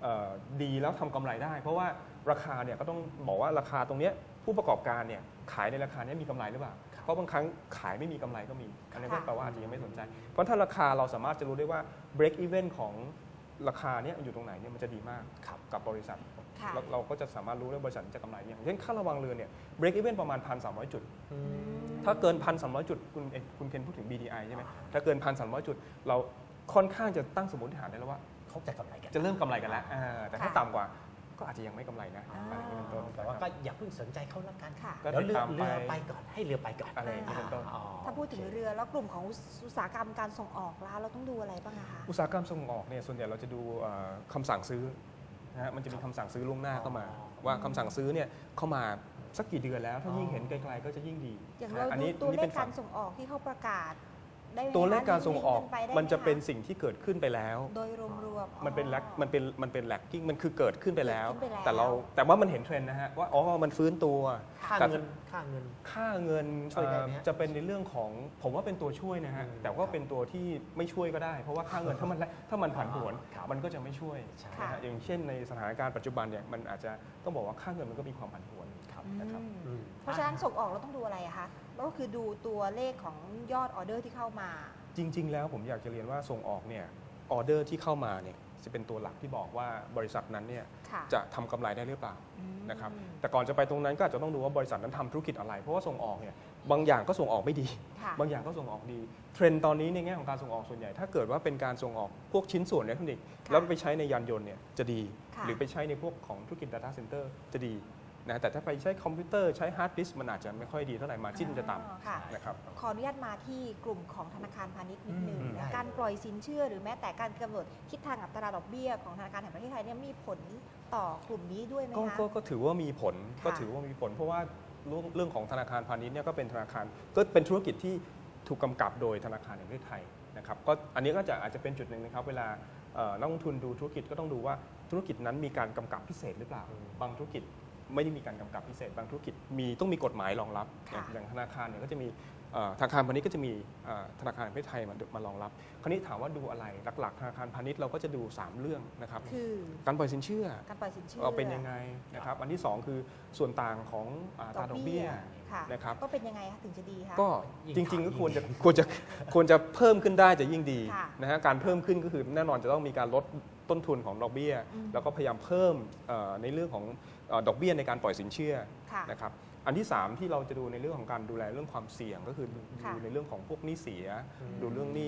Speaker 3: ดีแล้วทำกำไรได้ เพราะว่าราคาเนี่ยก็ต้องบอกว่าราคาตรงเนี้ยผู้ประกอบการเนี่ยขายในราคานี้มีกำไรหรือเปล่าเพราะบางครั้งขายไม่มีกำไรก็มีอันนี้ก็แปลว่าอาจจะยังไม่สนใจเพราะถ้าราคาเราสามารถจะรู้ได้ว่า break even ของราคาเนี่ยอยู่ตรงไหนเนี่ยมันจะดีมากกับบริษัทเราก็จะสามารถรู้ได้บริษัทจะกำไรอย่างเช่นค่าระวังเรือเนี่ย break even ประมาณ 1,300 จุดถ้าเกิน 1,300 จุดคุณเคนพูดถึง BDI ใช่ไหมถ้าเกิน 1,300 จุดเราค่อนข้างจะตั้งสมมติฐานได้แล้วว่า
Speaker 2: เขาจะกำไรกัน
Speaker 3: จะเริ่มกำไรกันแล้วแต่ถ้าต่ำกว่าก็อาจจะยังไม่กำไรนะอะไรอย่างนี้เป็นต้น
Speaker 2: แต่ว่าก็อย่าเพิ่งสนใจเขาแล้วกัน
Speaker 3: ก็
Speaker 2: เรือไปก่อนให้เรือไปก่อน
Speaker 3: อะไรอย่างนี้เป็นต้น
Speaker 1: ถ้าพูดถึงเรือแล้วกลุ่มของอุตสาหกรรมการส่งออกแล้วเราต้องดูอะไรบ้างคะ
Speaker 3: อุตสาหกรรมส่งออกเนี่ยส่วนใหญ่เราจะดูคำสั่งซื้อนะฮะมันจะมีคำสั่งซื้อล่วงหน้าเข้ามาว่าคำสั่งซื้อเนี่ยเข้ามาสักกี่เดือนแล้วถ้ายิ่งเห็นไกลๆก็จะยิ่งดี
Speaker 1: อย่างเราดูตัวเลขการส่งออกที่เขาประกาศ
Speaker 3: ตัวเลขการส่งออกมันจะเป็นสิ่งที่เกิดขึ้นไปแล้ว
Speaker 1: โดยรวมๆ
Speaker 3: มันเป็นแลกกิ้งมันคือเกิดขึ้นไปแล้วแต่ว่ามันเห็นเทรนด์นะฮะว่ามันฟื้นตัว
Speaker 2: ค่าเงินช่วยได้ไหม
Speaker 3: จะเป็นในเรื่องของผมว่าเป็นตัวช่วยนะฮะแต่ว่าเป็นตัวที่ไม่ช่วยก็ได้เพราะว่าค่าเงินถ้ามันผันผวนมันก็จะไม่ช่วยนะฮะอย่างเช่นในสถานการณ์ปัจจุบันเนี่ยมันอาจจะต้องบอกว่าค่าเงินมันก็มีความผันผวนนะครับ
Speaker 1: เพราะฉะนั้นส่งออกเราต้องดูอะไรอะคะก็คือดูตัวเลขของยอดออเดอร์ที่เข้ามา
Speaker 3: จริงๆแล้วผมอยากจะเรียนว่าส่งออกเนี่ยออเดอร์ที่เข้ามาเนี่ยจะเป็นตัวหลักที่บอกว่าบริษัทนั้นเนี่ยจะทำกำไรได้หรือเปล่านะครับแต่ก่อนจะไปตรงนั้นก็อาจจะต้องดูว่าบริษัทนั้นทำธุรกิจอะไรเพราะว่าส่งออกเนี่ยบางอย่างก็ส่งออกไม่ดีบางอย่างก็ส่งออกดีเทรนด์ตอนนี้ในแง่ของการส่งออกส่วนใหญ่ถ้าเกิดว่าเป็นการส่งออกพวกชิ้นส่วนอิเล็กทรอนิกส์แล้วไปใช้ในยานยนต์เนี่ยจะดีหรือไปใช้ในพวกของธุรกิจ Data Center จะดีนะแต่ถ้าไปใช้คอมพิวเตอร์ใช้ฮาร์ดดิสก์มันอาจจะไม่ค่อยดีเท่าไหร่มาจิ้นจะต่ำนะครับ
Speaker 1: ขออนุญาตมาที่กลุ่มของธนาคารพาณิชย์นิดนึงการปล่อยสินเชื่อหรือแม้แต่การกำหนดทิศทางอัตราดอกเบี้ยของธนาคารแห่งประเทศไทยเนี่ยมีผลต่อกลุ่มนี้ด้วยไหมคะ
Speaker 3: ก็ถือว่ามีผลเพราะว่าเรื่องของธนาคารพาณิชย์เนี่ยก็เป็นธนาคารก็เป็นธุรกิจที่ถูกกำกับโดยธนาคารแห่งประเทศไทยนะครับก็อันนี้ก็อาจจะเป็นจุดหนึ่งนะครับเวลานักลงทุนดูธุรกิจก็ต้องดูว่าธุรกิจนั้นมีการกำกับพิเศษหรือเปล่าบางธุรกิจไม่ได้มีการกำกับพิเศษบางธุรกิจต้องมีกฎหมายรองรับอย่างธนาคารเนี่ยก็จะมีธนาคารพาณิชย์ก็จะมีธนาคารแห่งประเทศไทยมารองรับคราวนี้ถามว่าดูอะไรหลักๆธนาคารพาณิชย์เราก็จะดู3เรื่องนะครับ
Speaker 1: คือ
Speaker 3: การปล่อยสินเชื่อเป็นยังไงนะครับอันที่2คือส่วนต่างของอัตราดอกเบี้ยนะครับ
Speaker 1: ก็เป็นยังไงคะถึงจะดีคะ
Speaker 3: ก็จริงๆก็ควรจะเพิ่มขึ้นได้จะยิ่งดีนะฮะการเพิ่มขึ้นก็คือแน่นอนจะต้องมีการลดต้นทุนของดอกเบี้ยแล้วก็พยายามเพิ่มในเรื่องของดอกเบี้ยในการปล่อยสินเชื่อนะครับอันที่3ที่เราจะดูในเรื่องของการดูแลเรื่องความเสี่ยงก็คือดูในเรื่องของพวกหนี้เสียดูเรื่องหนี้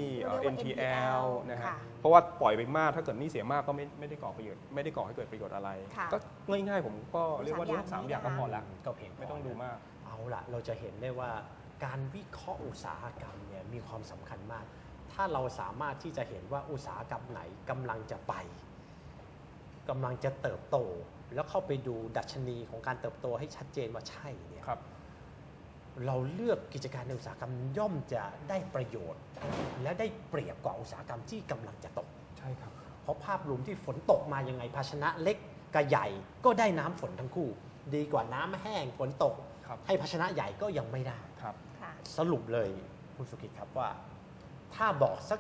Speaker 3: NPL นะฮะเพราะว่าปล่อยไปมากถ้าเกิดหนี้เสียมากก็ไม่ได้ก่อประโยชน์ไม่ได้ก่อให้เกิดประโยชน์อะไรก็ง่ายๆผมก็เรียกว่าดู3อย่างก็พอละ
Speaker 2: ก็เพียง
Speaker 3: ไม่ต้องดูมาก
Speaker 2: เอาละเราจะเห็นได้ว่าการวิเคราะห์อุตสาหกรรมเนี่ยมีความสำคัญมากถ้าเราสามารถที่จะเห็นว่าอุตสาหกรรมไหนกำลังจะไปกำลังจะเติบโตแล้วเข้าไปดูดัชนีของการเติบโตให้ชัดเจนว่าใช่เนี่ยเราเลือกกิจการในอุตสาหกรรมย่อมจะได้ประโยชน์และได้เปรียบกว่าอุตสาหกรรมที่กำลังจะตก
Speaker 3: ใช่ครับ
Speaker 2: เพราะภาพรวมที่ฝนตกมายังไงภาชนะเล็กกับใหญ่ก็ได้น้ำฝนทั้งคู่ดีกว่าน้ำแห้งฝนตกให้ภาชนะใหญ่ก็ยังไม่ได้สรุปเลยคุณสุกิจครับว่าถ้าบอกสัก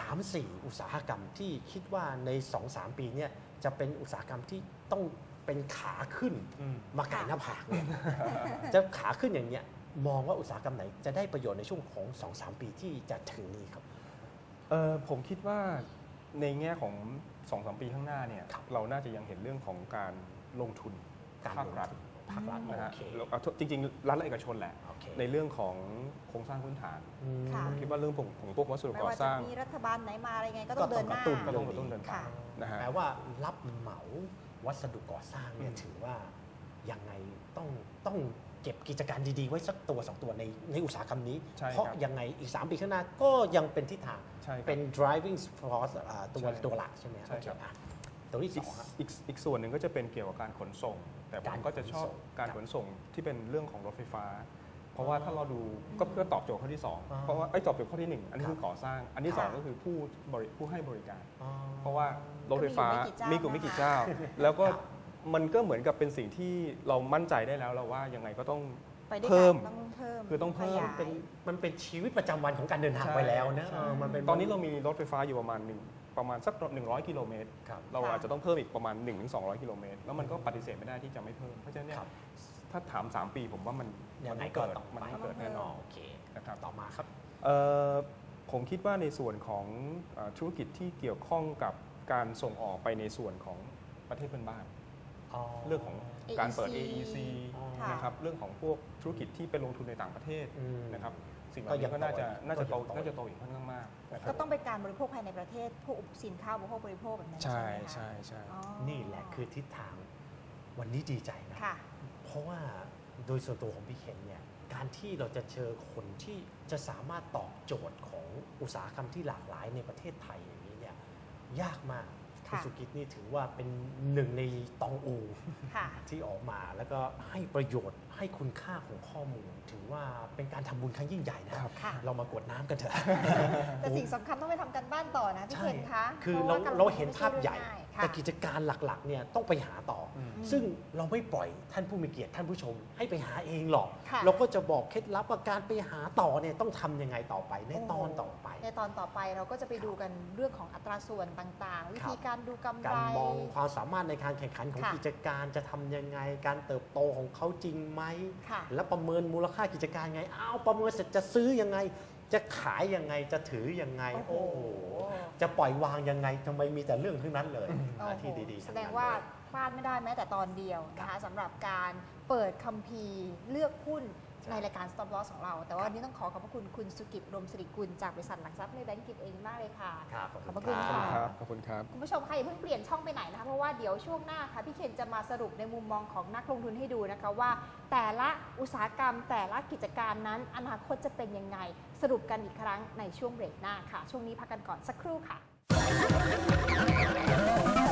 Speaker 2: 3-4 อุตสาหกรรมที่คิดว่าใน 2-3 ปีเนี่ยจะเป็นอุตสาหกรรมที่ต้องเป็นขาขึ้นมาไก่หน้าผากเนี่ยจะขาขึ้นอย่างเนี้ยมองว่าอุตสาหกรรมไหนจะได้ประโยชน์ในช่วงของ 2-3 ปีที่จะถึงนี้ครับ
Speaker 3: ผมคิดว่าในแง่ของ 2-3 ปีข้างหน้าเนี่ยเราน่าจะยังเห็นเรื่องของการลงทุนภาครัฐนะฮะจริงๆรัฐและเอกชนแหละในเรื่องของโครงสร้างพื้นฐานผมคิดว่าเรื่องของพวกวัสดุก่อสร้าง
Speaker 1: มีรัฐบาลไหนมาอะไรไงก็ต้องเดินหน้า
Speaker 3: ก็ต้องเดินตาม
Speaker 2: นะฮะแปลว่ารับเหมาวัสดุก่อสร้างเนี่ยถือว่ายังไงต้องเก็บกิจการดีๆไว้สักตัว2ตัวในอุตสาหกรรมนี้เพราะยังไงอีก3ปีข้างหน้าก็ยังเป็นทิศทางเป็น driving force ตัวหลักใช่ไหมครับตัวที่
Speaker 3: อีกส่วนหนึ่งก็จะเป็นเกี่ยวกับการขนส่งแต่ผมก็จะชอบการขนส่งที่เป็นเรื่องของรถไฟฟ้าเพราะว่าถ้าเราดูก็เพื่อตอบโจทย์ข้อที่2เพราะว่าตอบโจทย์ข้อที่1อันนี้คือก่อสร้างอันที่2ก็คือผู้ให้บริการเพราะว่ารถไฟฟ้ามีกลุ่มไม่กี่เจ้าแล้วก็มันก็เหมือนกับเป็นสิ่งที่เรามั่นใจได้แล้วเราว่ายังไงก็ต้องเพิ่มคือต้องเพิ่ม
Speaker 2: มันเป็นชีวิตประจำวันของการเดินทางไปแล้วนะ
Speaker 3: ตอนนี้เรามีรถไฟฟ้าอยู่ประมาณประมาณสัก100 กิโลเมตร
Speaker 2: ครับ
Speaker 3: เราอาจจะต้องเพิ่มอีกประมาณ 1-200 กิโลเมตรแล้วมันก็ปฏิเสธไม่ได้ที่จะไม่เพิ่มเพราะฉะนั้นเนี่ย
Speaker 2: ครับ
Speaker 3: ถ้าถาม 3 ปีผมว่ามัน
Speaker 2: ยังไง
Speaker 3: ต้อง
Speaker 2: ก็
Speaker 3: เกิด
Speaker 2: ต้อง
Speaker 3: มัน
Speaker 2: ไป
Speaker 3: ต้องเกิดแน่นอน
Speaker 2: โอเค
Speaker 3: นะครับ
Speaker 2: ต่อมาครับ
Speaker 3: ผมคิดว่าในส่วนของธุรกิจที่เกี่ยวข้องกับการส่งออกไปในส่วนของประเทศเพื่อนบ้าน เรื่องของการเปิด AEC
Speaker 1: ค่ะ
Speaker 3: นะครับเรื่องของพวกธุรกิจที่ไปลงทุนในต่างประเทศ
Speaker 2: อืม
Speaker 3: นะครับสิ่งเหล่านี้ก็น่าจะโตอีกค่อนข้างมากนะครั
Speaker 1: ก็
Speaker 3: บ
Speaker 1: ต้องเป็นการบริโภคภายในประเทศพวกสินค้าอุปโภคบริโภคแบบนั้น
Speaker 3: ใช่
Speaker 1: ไหมคะ
Speaker 3: ใช่ใช่
Speaker 1: อ๋อ
Speaker 2: นี่แหละคือทิศทางวันนี้ดีใจนะ
Speaker 1: ค่ะ
Speaker 2: เพราะว่าโดยส่วนตัวของพี่เคนเนี่ยการที่เราจะเจอคนที่จะสามารถตอบโจทย์ของอุตสาหกรรมที่หลากหลายในประเทศไทยอย่างนี้เนี่ยยากมาก
Speaker 1: ค่ะ
Speaker 2: คุณสุกิจนี่ถือว่าเป็นหนึ่งในตองอู
Speaker 1: ค่ะ
Speaker 2: ที่ออกมาแล้วก็ให้ประโยชน์ให้คุณค่าของข้อมูล ถือว่าเป็นการทำบุญครั้งยิ่งใหญ่นะครับ
Speaker 1: ค่ะ
Speaker 2: เรามากรวดน้ำกันเถอะ
Speaker 1: แต่สิ่งสำคัญต้องไปทำกันบ้านต่อนะพี่เคนคะ
Speaker 2: คือ
Speaker 1: พะ
Speaker 2: เรา
Speaker 1: ว่กลงทุน
Speaker 2: เราเห็นภาพใหญ่
Speaker 1: ไม่ช่เรื่องง่ายค่ะ
Speaker 2: แต่กิจการหลักๆเนี่ยต้องไปหาต่ออ
Speaker 3: ม
Speaker 2: ซึ่งเราไม่ปล่อยท่านผู้มีเกียรติท่านผู้ชมให้ไปหาเองหรอก
Speaker 1: ค่ะ
Speaker 2: เราก็จะบอกเคล็ดลับว่าการไปหาต่อเนี่ยต้องทำยังไงต่อไปในตอนต่อไป
Speaker 1: ในตอนต่อไปเราก็จะไปดูกันเรื่องของอัตราส่วนต่างๆ วิธีการดูกำไร
Speaker 2: การมองความสามารถในการแข่งขันของ
Speaker 1: ค่ะ
Speaker 2: กิจการจะทำยังไง การเติบโตของเขาจริงไหม
Speaker 1: ค่ะ
Speaker 2: แล้วประเมินมูลค่ากิจการไงอ้าวประเมินเสร็จจะซื้อยังไง จะขายยังไงจะถือยังไง
Speaker 1: โอ้โห
Speaker 2: โอ้โหจะปล่อยวางยังไงทำไมมีแต่เรื่องทั้งนั้นเลย
Speaker 1: โอ้โห
Speaker 2: ที่ดีๆ
Speaker 1: แส
Speaker 2: ทั้
Speaker 1: ด
Speaker 2: นั้
Speaker 1: ง
Speaker 2: น
Speaker 1: ว่า
Speaker 2: เลย
Speaker 1: พลาดไม่ได้แม้แต่ตอนเดียวนะคะสำหรับการเปิดคัมภีร์เลือกหุ้นในรายการ Stop Loss ของเรา แต่ว่าวันนี้ต้องขอขอบพระคุณคุณสุกิจรมสิริกุลจากบริษัทหลักทรัพย์ในแบงก์กิจเองมากเลยค่ะ
Speaker 2: ครับ
Speaker 1: ขอบพระคุณ
Speaker 2: ขอบ
Speaker 1: ค่ะ
Speaker 3: ขอบคุณครับ
Speaker 1: คุณผู้ชมค่ะอย่าเพิ่งเปลี่ยนช่องไปไหนนะคะเพราะว่าเดี๋ยวช่วงหน้าค่ะพี่เคนจะมาสรุปในมุมมองของนักลงทุนให้ดูนะคะว่า แต่ละอุตสาหกรรมแต่ละกิจการนั้นอนาคตจะเป็นยังไงสรุปกันอีกครั้งในช่วงเบรกหน้าค่ะ ช่วงนี้พักกันก่อนสักครู่ค่ะ